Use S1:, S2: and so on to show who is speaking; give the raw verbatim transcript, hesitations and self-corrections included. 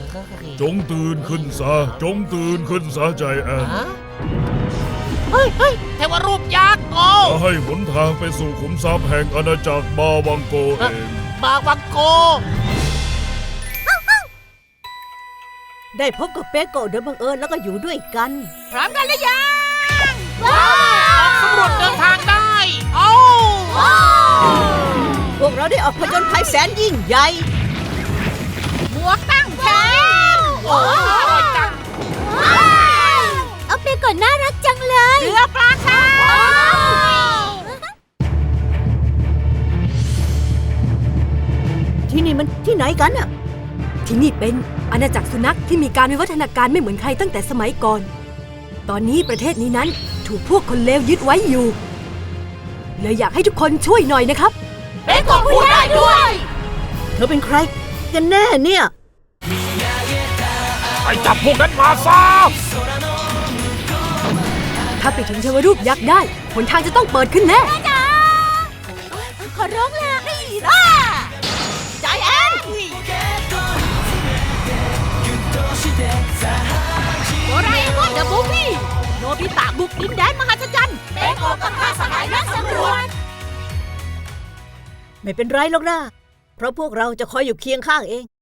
S1: จงตื่นขึ้นซะจงตื่นขึ้นซะใจแอน
S2: เฮ้ยเฮ้ยเทวรูปยักษ์โอ้
S1: จะให้หนทางไปสู่ขุมทรัพย์แห่งอาณาจักรบาวังโกเอง
S2: บาวังโก
S3: ได้พบกับเปโกะโดยบังเอิญแล้วก็อยู่ด้วยกัน
S2: พร้อมกันหรือยังว้าวสำรวจเดินทางได้โอ้
S3: พวกเราได้ออกผจญภัยแสนยิ่งใหญ่
S2: หมวกตั้งแขนโอ้ยอร่อยจัง
S3: เอาเปโกะน่ารักจังเลย
S2: เรือปลาค่ะ
S3: ที่นี่มันที่ไหนกันอะ
S4: ที่นี่เป็นอาณาจักรสุนัขที่มีการวิวัฒนาการไม่เหมือนใครตั้งแต่สมัยก่อน ตอนนี้ประเทศนี้นั้นถูกพวกคนเลวยึดไว้อยู่เลยอยากให้ทุกคนช่วยหน่อยนะครับ
S2: เปโกะพูดได้ด้วย
S3: เธอเป็นใครกันแน่เนี่ย
S1: ไปจับพวกนั้นมาซะ
S4: ถ้าไปถึงเทวรูปยักษ์ได้หนทางจะต้องเปิดขึ้นแน่
S3: ขอร้องล่ะนี่ล่ะใจแอน
S2: โดราเอมอนเดอะมูฟวี่โนบิตะบุกดินแดนมหัศจรรย์เปโกะกับข้าสหายนักสำรวจ
S3: ไม่เป็นไรหรอกนะเพราะพวกเราจะคอยอยู่เคียงข้างเอง